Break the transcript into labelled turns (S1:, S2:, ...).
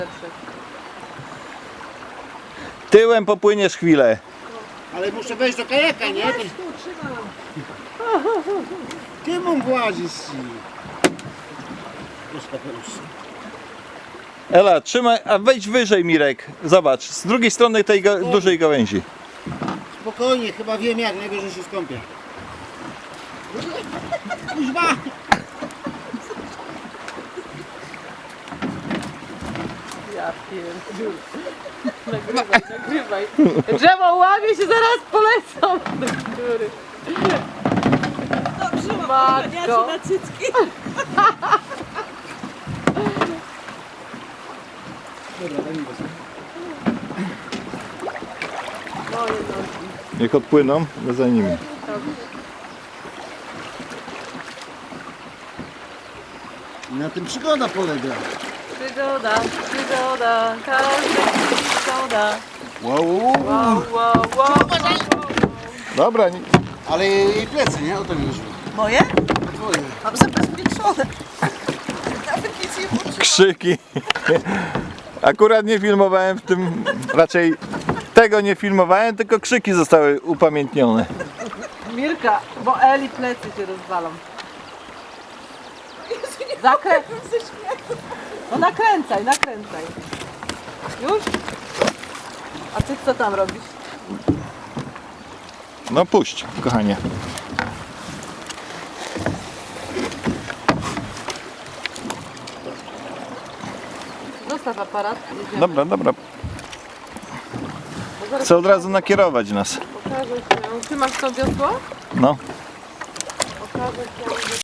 S1: Tyłem popłyniesz chwilę.
S2: Ale muszę wejść do kajaka, nie? Ty mam włazić.
S1: Ela, trzymaj, a wejdź wyżej, Mirek. Zobacz, z drugiej strony tej dużej gałęzi.
S2: Spokojnie, chyba wiem jak, najwyżej się skąpię. Kuźba!
S3: Ja pierdziu. Nagrywaj. Drzewo łamie się, zaraz polecą do góry.
S4: Dobrze,
S3: Matko.
S4: na cycki.
S3: Moje nogi.
S1: Niech odpłyną, my za nimi.
S2: Na tym przygoda polega.
S3: Przygoda, przygoda, każda przygoda.
S2: Wow.
S3: Wow, wow, wow.
S1: Dobra,
S2: Ale jej plecy, nie? O to mi wyszło.
S4: Moje?
S2: Twoje.
S4: Mam zabezpieczone. Nawet nic nie poczułam.
S1: krzyki. Akurat nie filmowałem w tym, raczej tego nie filmowałem, tylko krzyki zostały upamiętnione.
S3: Mirka, bo Eli plecy się rozwalą. No nakręcaj, nakręcaj. Już? A ty co tam robisz?
S1: No puść, kochanie.
S3: Zostaw aparat. Jedziemy.
S1: Dobra, dobra.
S3: Bo zaraz
S1: Chcę od razu nakierować nas.
S3: pokażę się. Trzymasz to wiosło?
S1: No.
S3: Pokażę się.